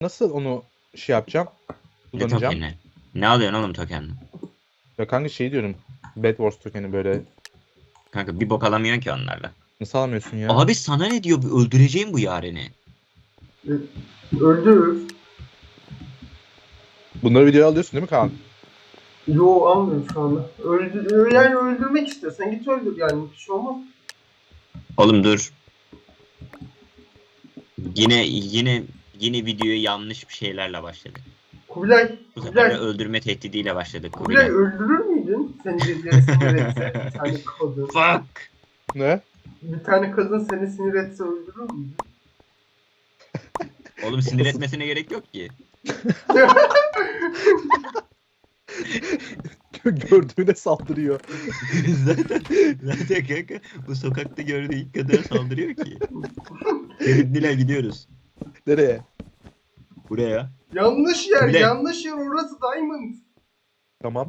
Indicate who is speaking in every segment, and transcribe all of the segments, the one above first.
Speaker 1: Nasıl onu şey yapacağım?
Speaker 2: Ne
Speaker 1: Kullanacağım.
Speaker 2: tokeni? Ne alıyorsun oğlum tokenle?
Speaker 1: Ya kanka şey diyorum. Bed Wars tokeni böyle.
Speaker 2: Kanka bir bok alamıyorsun ki onlarla.
Speaker 1: Nasıl alamıyorsun ya?
Speaker 2: Abi sana ne diyor? Öldüreceğim bu Yaren'i.
Speaker 3: Öldür.
Speaker 1: Bunları videoya alıyorsun değil mi Kaan?
Speaker 3: Yo almıyorum şu anda. Yani öldürmek istiyorsan git öldür yani bir şey olmaz.
Speaker 2: Oğlum dur. Yine videoya yanlış bir şeylerle başladık.
Speaker 3: Kubilay,
Speaker 2: Bu sefer de
Speaker 3: Kubilay,
Speaker 2: öldürme tehdidiyle başladık.
Speaker 3: Kubilay
Speaker 2: Kubilay.
Speaker 3: öldürür müydün? Seni birileri sinir etse bir tane kadın.
Speaker 2: Fuck.
Speaker 1: Ne?
Speaker 3: Bir tane kadın seni sinir etse öldürür müydün?
Speaker 2: Oğlum sinir etmesine gerek yok ki.
Speaker 1: Gördüğüne saldırıyor.
Speaker 2: zaten kanka bu sokakta gördüğü ilk kadına saldırıyor ki. Nilay gidiyoruz.
Speaker 1: Nereye?
Speaker 2: Buraya.
Speaker 3: Yanlış yer,
Speaker 2: Kubilay.
Speaker 3: yanlış yer orası Diamond.
Speaker 1: Tamam.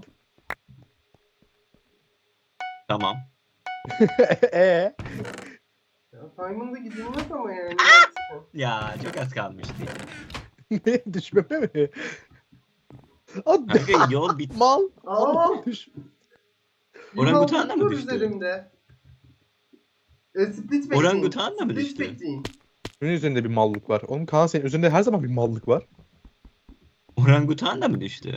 Speaker 2: Tamam.
Speaker 1: Eee?
Speaker 3: Ya Diamond'a gidilmez ama yani.
Speaker 2: Ya çok az kalmıştı.
Speaker 1: Ne? Düşmeme mi? Hadi.
Speaker 2: Kanka yol bit.
Speaker 1: Mal.
Speaker 3: Aa!
Speaker 1: Düş.
Speaker 2: Orangutan da mı
Speaker 3: Yılan
Speaker 2: düştü?
Speaker 3: üzerimde. Split bekleyin.
Speaker 2: Orangutan da mı
Speaker 3: Split
Speaker 2: düştü?
Speaker 3: bekleyin.
Speaker 1: Senin üzerinde bir mallık var. Oğlum Kaan senin üzerinde her zaman bir mallık var.
Speaker 2: Orangutan da mı düştü?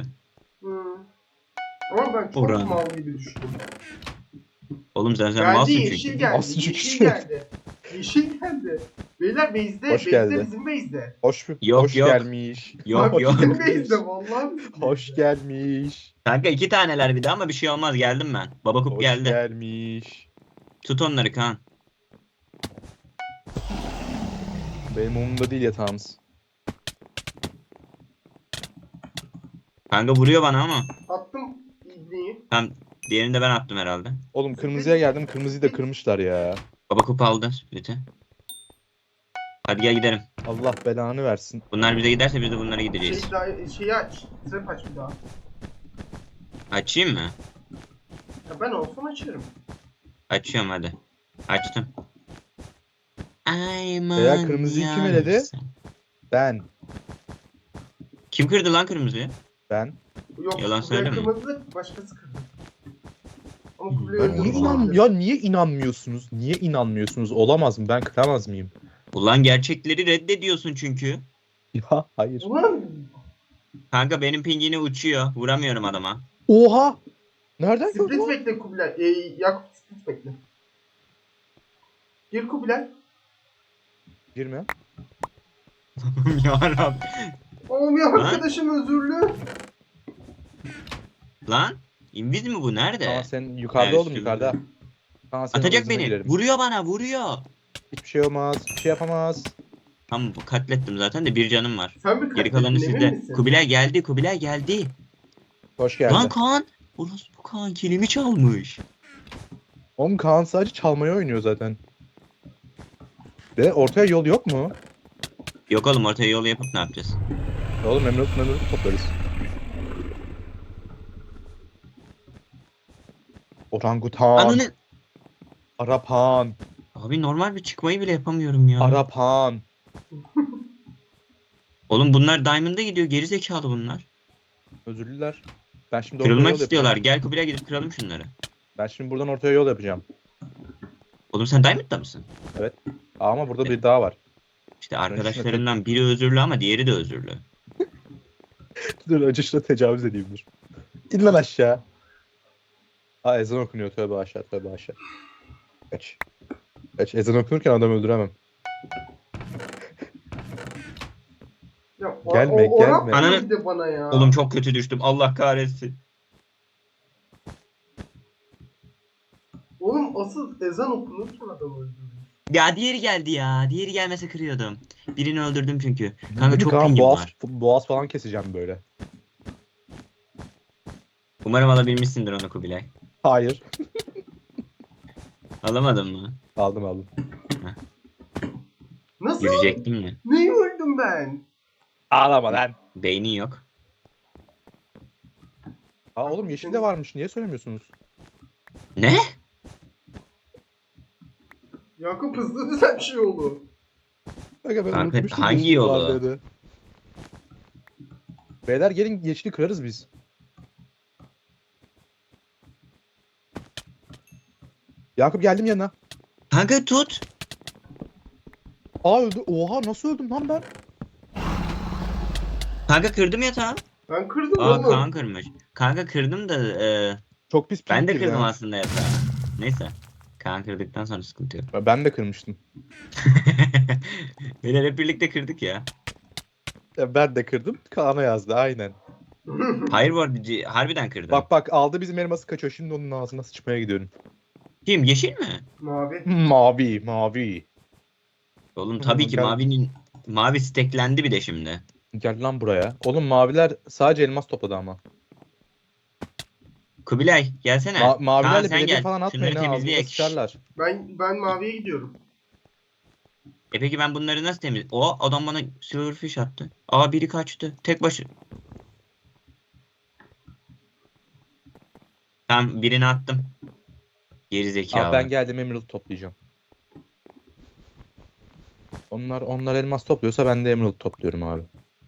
Speaker 3: Ama ben çok
Speaker 2: Oran.
Speaker 3: mal gibi düştüm.
Speaker 2: Oğlum sen
Speaker 3: Geldi
Speaker 2: malsın
Speaker 3: yeşil
Speaker 2: çünkü.
Speaker 3: geldi.
Speaker 1: Malsın çünkü.
Speaker 3: Yeşil geldi. Yeşil geldi. Beyler base'de.
Speaker 1: Hoş
Speaker 3: Base'de
Speaker 1: geldi.
Speaker 3: bizim base'de.
Speaker 1: Hoş
Speaker 2: Yok,
Speaker 1: hoş
Speaker 2: yok.
Speaker 1: gelmiş.
Speaker 2: Yok
Speaker 3: Bak,
Speaker 2: yok.
Speaker 3: bizim base'de vallahi. bizim
Speaker 1: Hoş
Speaker 3: base'de.
Speaker 1: gelmiş.
Speaker 2: Kanka 2 taneler bir de ama bir şey olmaz, geldim ben. Baba kup
Speaker 1: Hoş
Speaker 2: geldi.
Speaker 1: gelmiş.
Speaker 2: Tut onları Kaan.
Speaker 1: Benim umurumda değil yatağımız.
Speaker 2: Kanka vuruyor bana ama.
Speaker 3: Attım ibneyi.
Speaker 2: Tam diğerini de ben attım herhalde.
Speaker 1: Oğlum kırmızıya geldim. Kırmızıyı da kırmışlar ya.
Speaker 2: Baba kup aldı split'i. Hadi gel gidelim.
Speaker 1: Allah belanı versin.
Speaker 2: Bunlar bize giderse biz de bunlara gideceğiz.
Speaker 3: Şeyi aç. Trap aç bir daha.
Speaker 2: Açayım mı?
Speaker 3: Ya ben olsam açarım.
Speaker 2: Açıyorum hadi. Açtım.
Speaker 1: Veya kırmızıyı kim eledi? Ben.
Speaker 2: Kim kırdı lan kırmızıyı?
Speaker 1: Ben.
Speaker 3: Yok.
Speaker 2: Yalan
Speaker 3: Kubilay
Speaker 2: söyleme.
Speaker 3: kırmadı, başkası kırdı. Ama Kubilay
Speaker 1: Ya niye,
Speaker 3: öldürdü.
Speaker 1: ya niye inanmıyorsunuz? Niye inanmıyorsunuz? Olamaz mı? Ben kıramaz mıyım?
Speaker 2: Ulan gerçekleri reddediyorsun çünkü.
Speaker 1: Ya hayır.
Speaker 3: Ulan
Speaker 2: Kanka benim pingini uçuyor. Vuramıyorum adama.
Speaker 1: Oha! Nereden gördün
Speaker 3: split
Speaker 1: lan?
Speaker 3: bekle Kubilay. Yakup split bekle. Gir Kubilay.
Speaker 1: Girme.
Speaker 2: Yarabbim.
Speaker 3: Oğlum ya arkadaşım özürlü.
Speaker 2: Lan inviz mi bu? Nerede?
Speaker 1: Kaan sen yukarıda
Speaker 2: Evet,
Speaker 1: oğlum yukarıda. Kaan senin
Speaker 2: Atacak
Speaker 1: hızına
Speaker 2: beni.
Speaker 1: girerim.
Speaker 2: Vuruyor bana, vuruyor.
Speaker 1: Hiçbir şey olmaz. Hiçbir şey yapamaz.
Speaker 2: Tamam katlettim zaten de bir canım var.
Speaker 3: Sen bir
Speaker 2: Geri kalanı
Speaker 3: katledin, emin
Speaker 2: sizde.
Speaker 3: misin?
Speaker 2: Kubilay geldi, Kubilay geldi.
Speaker 1: Hoş geldin.
Speaker 2: Lan Kaan. Orası bu Kaan kilimi çalmış.
Speaker 1: Oğlum Kaan sadece çalmayı oynuyor zaten. De ortaya yol yok mu?
Speaker 2: Yok oğlum ortaya yol yapıp ne yapacağız?
Speaker 1: Oğlum Emrut toplarız. Orangutan.
Speaker 2: Ananı.
Speaker 1: Arapan.
Speaker 2: Abi normal bir çıkmayı bile yapamıyorum ya.
Speaker 1: Arapan.
Speaker 2: Oğlum bunlar Diamond'a gidiyor. Geri zekalı bunlar.
Speaker 1: Özürlüler. Ben şimdi ortaya
Speaker 2: Kırılmak
Speaker 1: yol
Speaker 2: istiyorlar.
Speaker 1: yapacağım.
Speaker 2: Gel Kubilay gidip kıralım şunları.
Speaker 1: Ben şimdi buradan ortaya yol yapacağım.
Speaker 2: Oğlum sen Diamond'da mısın?
Speaker 1: Ama burada bir daha var.
Speaker 2: İşte arkadaşlarından biri özürlü ama diğeri de özürlü.
Speaker 1: Dur önce şuna tecavüz edeyim dur. İn lan aşağı. Aa ezan okunuyor, tövbe aşağı, tövbe aşağı. Kaç. Kaç, ezan okunurken adam öldüremem.
Speaker 3: Ya,
Speaker 1: Gelme,
Speaker 3: o
Speaker 1: gelme.
Speaker 3: yapma
Speaker 2: Ananı-
Speaker 3: bir de bana ya.
Speaker 2: Oğlum çok kötü düştüm. Allah kahretsin.
Speaker 3: Oğlum asıl ezan okunurken adam öldürüyor.
Speaker 2: Ya diğeri geldi ya. Diğeri gelmese kırıyordum. Birini öldürdüm çünkü. Kanka çok
Speaker 1: Kaan,
Speaker 2: pingim
Speaker 1: boğaz,
Speaker 2: var.
Speaker 1: boğaz falan keseceğim böyle.
Speaker 2: Umarım alabilmişsindir onu Kubilay.
Speaker 1: Hayır.
Speaker 2: Alamadın mı?
Speaker 1: Aldım.
Speaker 3: Nasıl?
Speaker 2: Yürüyecektim ya.
Speaker 3: Neyi öldüm ben?
Speaker 1: Ağlama lan.
Speaker 2: Beynin yok.
Speaker 1: Aa oğlum yeşil de varmış, niye söylemiyorsunuz?
Speaker 2: Ne?
Speaker 3: Yakup hızlı düzen şey oldu.
Speaker 1: Kanka ben
Speaker 2: Kanka,
Speaker 1: unutmuştum
Speaker 2: hangi
Speaker 1: yeşil
Speaker 2: yolu?
Speaker 1: var dedi. Beyler gelin yeşili kırarız biz. Yakup geldim yanına.
Speaker 2: Kanka tut.
Speaker 1: Aa öldü. Oha nasıl öldüm lan ben?
Speaker 2: Kanka kırdım yatağı.
Speaker 3: Ben kırdım
Speaker 2: Aa
Speaker 3: oğlum.
Speaker 2: Kaan kırmış. Kanka kırdım da
Speaker 1: Çok pis
Speaker 2: ben de
Speaker 1: pink
Speaker 2: kırdım
Speaker 1: ya.
Speaker 2: aslında yatağı. Neyse. Kaan kırdıktan sonra sıkıntı yok.
Speaker 1: Ben de kırmıştım.
Speaker 2: Beyler hep birlikte kırdık ya.
Speaker 1: Ben de kırdım. Kaan'a yazdı aynen.
Speaker 2: Hayır bu arada harbiden kırdım.
Speaker 1: Bak bak aldı bizim elması kaçıyor. Şimdi onun ağzına sıçmaya gidiyorum.
Speaker 2: Kim? Yeşil mi?
Speaker 3: Mavi.
Speaker 1: Mavi mavi.
Speaker 2: Oğlum tabii ki
Speaker 1: Gel.
Speaker 2: mavi steklendi bir de şimdi.
Speaker 1: Gel lan buraya. Oğlum maviler sadece elmas topladı ama.
Speaker 2: Kubilay gelsene. Kaan
Speaker 1: Mavilerle
Speaker 2: sen
Speaker 1: belediye
Speaker 2: gel.
Speaker 1: falan atmayın
Speaker 2: Şunları
Speaker 1: ha. Ağzınıza
Speaker 2: temizleyek.
Speaker 1: sıçarlar.
Speaker 3: Ben maviye gidiyorum.
Speaker 2: Peki ben bunları nasıl temiz... O adam bana silverfish attı. Aa biri kaçtı. Tek başı. Tamam birini attım. Geri zekalı.
Speaker 1: Abi ben geldim emerald toplayacağım. Onlar elmas topluyorsa ben de emerald topluyorum abi.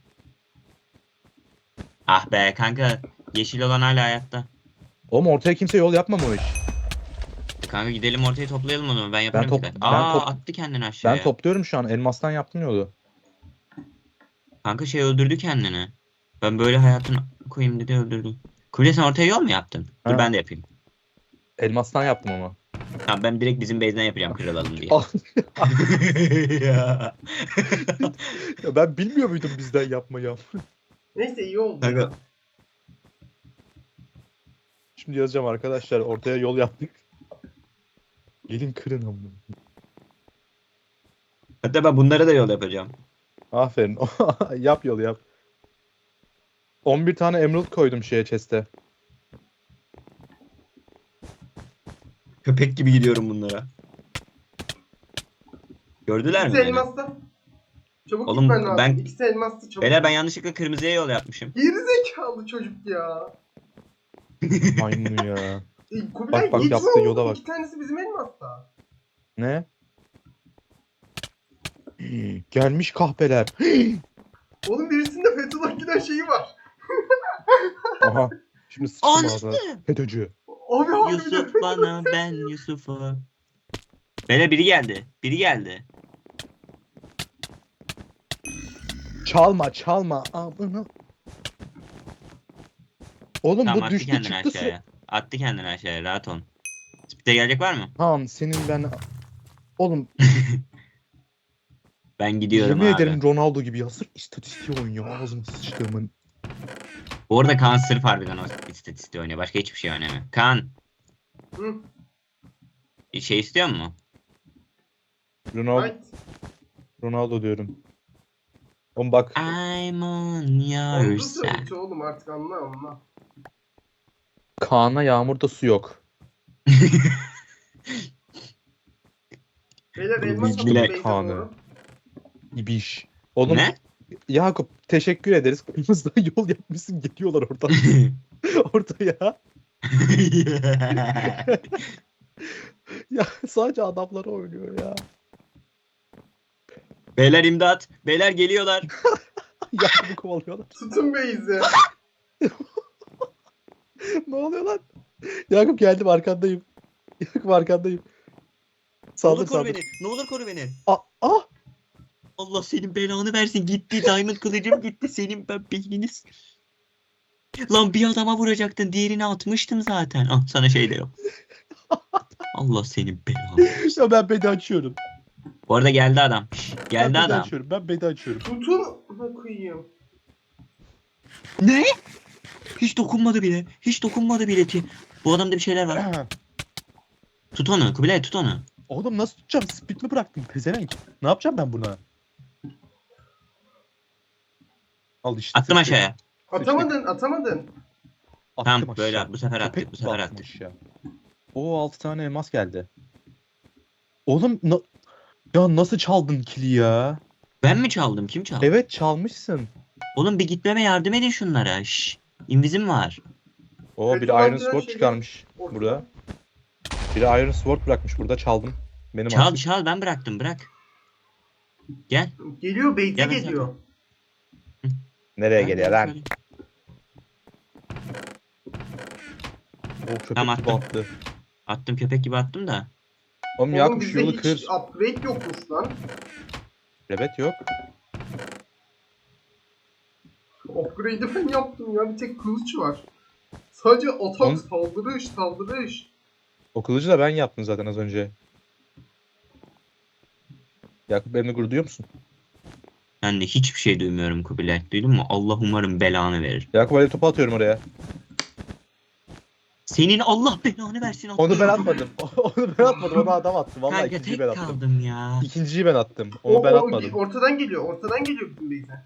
Speaker 2: Ah be kanka. Yeşil olan hala hayatta.
Speaker 1: Oğlum ortaya kimse yol yapmamış.
Speaker 2: Kanka gidelim ortaya toplayalım onu. Ben yaparım
Speaker 1: top-
Speaker 2: bir de.
Speaker 1: ben
Speaker 2: Aa
Speaker 1: top-
Speaker 2: attı kendini aşağıya.
Speaker 1: Ben topluyorum şu an. Elmastan yaptım yolu.
Speaker 2: Kanka şey öldürdü kendini. Ben böyle hayatını koyayım dedi öldürdü. Kubilay sen ortaya yol mu yaptın? Dur
Speaker 1: Ha.
Speaker 2: ben de yapayım.
Speaker 1: Elmastan yaptım ama.
Speaker 2: Tamam ben direkt bizim base'den yapacağım kırılalım diye.
Speaker 1: Ah,
Speaker 2: Ya.
Speaker 1: ya ben bilmiyor muydum bizden yapmayı?
Speaker 3: Neyse iyi oldu.
Speaker 2: Kanka.
Speaker 1: Şimdi yazacağım arkadaşlar ortaya yol yaptık. Gelin kırın ama.
Speaker 2: Hatta ben bunlara da yol yapacağım.
Speaker 1: Aferin. Yap yol yap. 11 tane emerald koydum şeye chest'e.
Speaker 2: Köpek gibi gidiyorum bunlara. Gördüler mi
Speaker 3: İkisi
Speaker 2: beni?
Speaker 3: elmasta. Çabuk
Speaker 2: Oğlum,
Speaker 3: gitmen lazım.
Speaker 2: ben-
Speaker 3: İkisi elmasta çabuk.
Speaker 2: Beyler ben yanlışlıkla kırmızıya yol yapmışım.
Speaker 3: Gerizekalı çocuk ya.
Speaker 1: Maymun ya.
Speaker 3: Kubilay
Speaker 1: bak,
Speaker 3: gitsin
Speaker 1: yaptığı
Speaker 3: oğlum.
Speaker 1: yola bak.
Speaker 3: İki tanesi bizim elmasta.
Speaker 1: Ne? Gelmiş kahpeler.
Speaker 3: Oğlum birisinde Fethullah Gülen şeyi var.
Speaker 1: Aha. Şimdi sıçtım
Speaker 2: Anasını.
Speaker 1: ağzına. FETÖ'cü.
Speaker 3: Abi harbiden
Speaker 2: Yusuf
Speaker 3: Fethullah-
Speaker 2: bana ben Yusuf'a. Beyler biri geldi. Biri geldi.
Speaker 1: Çalma çalma. Amına. Oğlum
Speaker 2: Tamam
Speaker 1: bu
Speaker 2: attı
Speaker 1: düştü
Speaker 2: kendini
Speaker 1: çıktı.
Speaker 2: aşağıya. Attı kendini aşağıya rahat ol. Speed'e gelecek var mı?
Speaker 1: Tamam senin ben... Oğlum
Speaker 2: Ben gidiyorum
Speaker 1: yemin
Speaker 2: abi.
Speaker 1: ederim Ronaldo gibi ya. Sırf istatistiği oynuyor ağzıma sıçtığımın.
Speaker 2: Bu arada Kaan sırf harbiden o istatistiği oynuyor. Başka hiçbir şey oynamıyor. Kaan
Speaker 3: Hı.
Speaker 2: şey istiyor mu?
Speaker 3: Right.
Speaker 1: Ronaldo diyorum. Oğlum bak.
Speaker 2: I'm on your
Speaker 3: Oldu
Speaker 2: side.
Speaker 3: söyledi oğlum artık anla.
Speaker 1: Kaan'a yağmurda su yok.
Speaker 3: Beyler
Speaker 1: Bu
Speaker 3: elmas
Speaker 1: bilgi
Speaker 3: atın
Speaker 1: ne
Speaker 3: base'e
Speaker 1: Kaan'ı?
Speaker 3: doğru.
Speaker 1: İbiş. Oğlum
Speaker 2: Ne?
Speaker 1: Yakup teşekkür ederiz. Kırmızıdan yol yapmışsın geliyorlar oradan. Ortaya. Ya sadece adamlar oynuyor ya.
Speaker 2: Beyler imdat. Beyler geliyorlar.
Speaker 1: Yakup'u kovalıyorlar.
Speaker 3: Tutun base'i.
Speaker 1: Ne oluyor lan? Yakup geldim arkandayım. Yakup arkandayım.
Speaker 2: Ne
Speaker 1: Saldır
Speaker 2: olur koru
Speaker 1: saldır.
Speaker 2: beni. Ne olur koru beni.
Speaker 1: Ah!
Speaker 2: Allah senin belanı versin. Gitti. Diamond kılıcım gitti. Senin ben beyniniz. Lan bir adama vuracaktın. Diğerini atmıştım zaten. Ah sana şey de yok. Allah senin belanı.
Speaker 1: Ya ben bedi açıyorum.
Speaker 2: Bu arada geldi adam. Şş,
Speaker 1: Ben
Speaker 2: geldi
Speaker 1: bedi
Speaker 2: adam.
Speaker 1: açıyorum. Ben bedi açıyorum.
Speaker 3: Tutun. Ha koyayım.
Speaker 2: Ne? Hiç dokunmadı bile. Hiç dokunmadı bile ki. Bu adamda bir şeyler var. Tut onu. Kubilay tut onu.
Speaker 1: Oğlum nasıl tutacağım? Speed mi bıraktın? Pezevenk. Ne yapacağım ben buna? Al işte.
Speaker 2: Attım
Speaker 1: sıçtık.
Speaker 2: aşağıya.
Speaker 3: Atamadın.
Speaker 1: Attım
Speaker 2: Tamam
Speaker 1: aşağı.
Speaker 2: böyle bu sefer attık.
Speaker 1: Köpek
Speaker 2: Bu
Speaker 1: gibi
Speaker 2: sefer
Speaker 1: attım
Speaker 2: attık.
Speaker 1: aşağı. Oo 6 tane elmas geldi. Oğlum ya nasıl çaldın kili ya?
Speaker 2: Ben mi çaldım? Kim çaldı?
Speaker 1: Evet çalmışsın.
Speaker 2: Oğlum bir gitmeme yardım edin şunlara. Şşş. İnvizim var.
Speaker 1: Oo
Speaker 3: Evet,
Speaker 1: biri
Speaker 3: ulan
Speaker 1: Iron
Speaker 3: biraz
Speaker 1: Sword
Speaker 3: şey
Speaker 1: çıkarmış
Speaker 3: ortada.
Speaker 1: burada. Biri Iron Sword bırakmış burada çaldım. Benim
Speaker 2: Çal
Speaker 1: artık.
Speaker 2: çal ben bıraktım bırak. Gel.
Speaker 3: Geliyor base'e
Speaker 2: Gel ben
Speaker 3: geliyor.
Speaker 1: Nereye
Speaker 2: Ben
Speaker 1: geliyor
Speaker 2: de
Speaker 1: lan?
Speaker 2: şöyle-
Speaker 1: O köpek
Speaker 2: Tamam,
Speaker 1: gibi
Speaker 2: attım.
Speaker 1: attı.
Speaker 2: Attım, köpek gibi attım da.
Speaker 1: Oğlum
Speaker 3: Oğlum
Speaker 1: Yakup şu
Speaker 3: bizde
Speaker 1: yolu
Speaker 3: hiç
Speaker 1: kır.
Speaker 3: upgrade yokmuş lan.
Speaker 1: Evet yok.
Speaker 3: Upgrade'i ben yaptım ya. Bir tek kılıç var. Sadece atak,
Speaker 1: On-
Speaker 3: saldırış.
Speaker 1: O kılıcı da ben yaptım zaten az önce. Yakup benimle gurur duyuyor musun?
Speaker 2: Ben de hiçbir şey duymuyorum Kubilay. Duydun mu? Allah umarım belanı verir.
Speaker 1: Yakup alev topu atıyorum oraya.
Speaker 2: Senin Allah belanı versin.
Speaker 1: Onu ben
Speaker 2: atlıyorum.
Speaker 1: atmadım. Onu ben atmadım. Onu adam attı. Vallahi
Speaker 2: Kanka
Speaker 1: ikinciyi
Speaker 2: tek
Speaker 1: ben attım.
Speaker 2: kaldım ya.
Speaker 1: İkinciyi ben attım. Onu ben atmadım.
Speaker 3: Ortadan geliyor. Ortadan geliyor bizim base'e.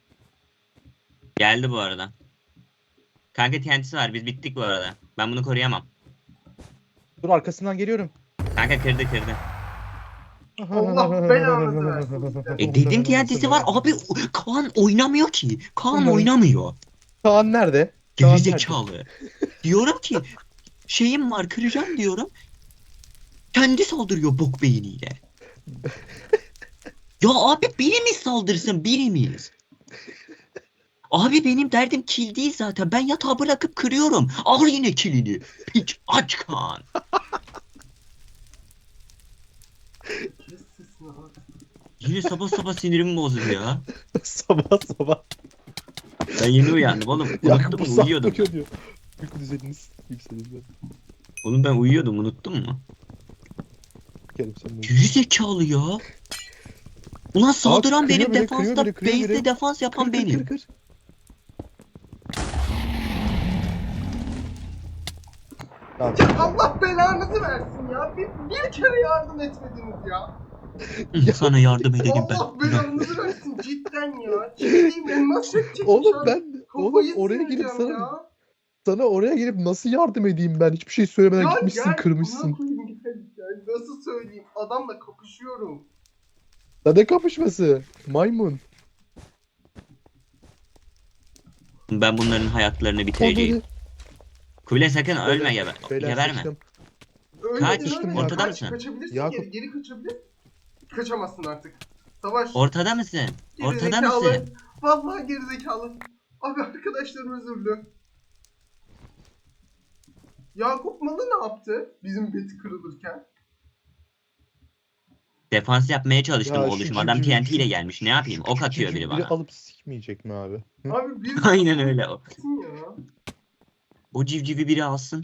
Speaker 2: Geldi bu arada. Kanka TNT'si var. Biz bittik bu arada. Ben bunu koruyamam.
Speaker 1: Dur arkasından geliyorum.
Speaker 2: Kanka kırdı.
Speaker 3: Allah belanı versin.
Speaker 2: Dedim TNT'si var. Abi Kaan oynamıyor ki. Kaan oynamıyor.
Speaker 1: Kaan nerede? Kaan nerede?
Speaker 2: Gerizekalı. Diyorum ki şeyim var, kıracağım diyorum. Kendi saldırıyor bok beyniyle. Ya abi birimiz saldırsın, birimiz. Abi benim derdim kill değil zaten. Ben yatağı bırakıp kırıyorum. Al yine killini. Piç aç Kaan.
Speaker 3: Kes sesini abi.
Speaker 2: Yine sabah sinirimi bozdu ya.
Speaker 1: Sabah sabah.
Speaker 2: Ben yeni uyandım oğlum.
Speaker 1: Yakup
Speaker 2: Unuttum,
Speaker 1: bu
Speaker 2: uyuyordum.
Speaker 1: saklı diyor. Büyük düzeniniz yükselin.
Speaker 2: Oğlum ben uyuyordum, unuttun mu?
Speaker 1: Kerim sen de.
Speaker 2: Gerizekalı ya. Ulan saldıran
Speaker 1: kırıyor
Speaker 2: benim,
Speaker 1: biri,
Speaker 2: defansta
Speaker 1: kırıyor biri, kırıyor
Speaker 2: base'de
Speaker 1: biri.
Speaker 2: defans yapan benim.
Speaker 1: Kır. Tamam.
Speaker 3: Ya Allah belanızı versin ya. Bir kere yardım etmediniz ya.
Speaker 2: Sana yardım edelim ben.
Speaker 3: Allah belanızı versin cidden ya. Ciddiyim elmas set çekmiş
Speaker 1: Oğlum
Speaker 3: abi.
Speaker 1: ben
Speaker 3: Kafayı
Speaker 1: oraya gelip
Speaker 3: sinireceğim ya.
Speaker 1: sana oraya gelip nasıl yardım edeyim ben? Hiçbir şey söylemeden
Speaker 3: Ya
Speaker 1: gitmişsin,
Speaker 3: gel,
Speaker 1: kırmışsın.
Speaker 3: buna koyayım, gel. Nasıl söyleyeyim? Adamla kapışıyorum.
Speaker 1: Ya ne kapışması? Maymun.
Speaker 2: Ben bunların hayatlarını bitireceğim.
Speaker 1: Onları-
Speaker 2: Kubilay sakın ölme,
Speaker 1: Beyler
Speaker 2: geberme.
Speaker 1: sıçtım.
Speaker 2: Kaç,
Speaker 3: Ölmedin,
Speaker 1: ortada
Speaker 2: mısın?
Speaker 3: Kaçabilirsin
Speaker 1: Yakup.
Speaker 3: geri kaçabilir. Kaçamazsın artık. Savaş.
Speaker 2: Ortada mısın? Ortada
Speaker 3: Gerizekalı.
Speaker 2: mısın?
Speaker 3: Vallahi gerizekalı. Abi arkadaşlarım özürlü. Yakup Malı ne yaptı bizim beti kırılırken?
Speaker 2: Defans yapmaya çalıştım
Speaker 1: Ya şu
Speaker 2: oluşum. Adam
Speaker 1: civciv-
Speaker 2: TNT ile gelmiş. Ne yapayım? Ok atıyor biri
Speaker 1: Biri
Speaker 2: bana.
Speaker 1: alıp sikmeyecek mi abi? Hı?
Speaker 3: Abi bir
Speaker 2: Aynen öyle.
Speaker 3: gitsin ya.
Speaker 2: O civcivi biri alsın.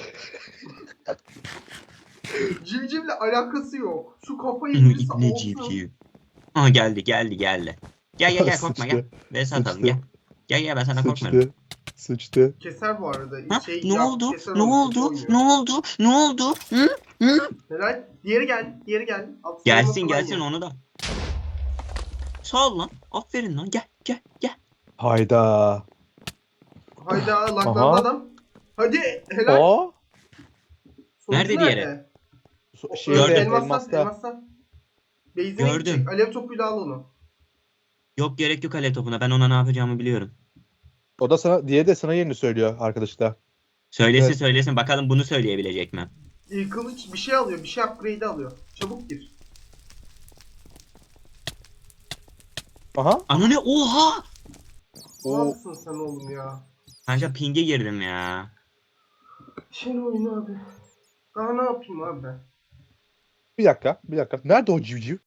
Speaker 3: Civcivle alakası yok. Şu kafayı birisi
Speaker 2: İbne
Speaker 3: alsın.
Speaker 2: civciv. Aha geldi. Gel korkma gel.
Speaker 1: Sıçtı,
Speaker 2: Ve satalım
Speaker 1: sıçtı.
Speaker 2: gel ben sana korkmuyorum.
Speaker 1: Sıçtı.
Speaker 3: Keser bu arada.
Speaker 2: Ha?
Speaker 3: Şey,
Speaker 2: Ne
Speaker 3: Yakup
Speaker 2: oldu?
Speaker 3: keser
Speaker 2: Ne
Speaker 3: onu,
Speaker 2: oldu?
Speaker 3: kötü
Speaker 2: Ne
Speaker 3: oynuyor.
Speaker 2: oldu? Ne oldu? Hı? Hı?
Speaker 3: Helal. Diğeri gel. At
Speaker 2: Gelsin
Speaker 3: savunma falan
Speaker 2: gelsin
Speaker 3: ye.
Speaker 2: onu da. Sağ ol lan. Aferin lan. Gel.
Speaker 1: Hayda.
Speaker 3: Hayda
Speaker 1: Aha.
Speaker 3: laklandı adam. Hadi helal.
Speaker 1: O
Speaker 3: Sonucu
Speaker 2: Nerede diğeri?
Speaker 1: şeyde
Speaker 2: Gördüm.
Speaker 3: Elmastan. Base'ine
Speaker 2: Gördüm.
Speaker 3: gidecek. Alev topuyla al onu.
Speaker 2: Yok gerek yok alev topuna. Ben ona ne yapacağımı biliyorum.
Speaker 1: O da sana, diğeri de sana yerini söylüyor arkadaşlar.
Speaker 2: Söylesin
Speaker 1: Evet.
Speaker 2: söylesin. Bakalım bunu söyleyebilecek mi?
Speaker 3: Kılıç bir şey alıyor. Bir şey upgrade alıyor. Çabuk gir.
Speaker 1: Aha.
Speaker 2: Ana ne? Oha!
Speaker 3: Ne
Speaker 1: O
Speaker 3: yapsın sen oğlum ya?
Speaker 2: Kanka ping'e girdim ya.
Speaker 3: Şey oyunu abi. Daha ne yapayım abi ben?
Speaker 1: bir dakika. Nerede o civciv?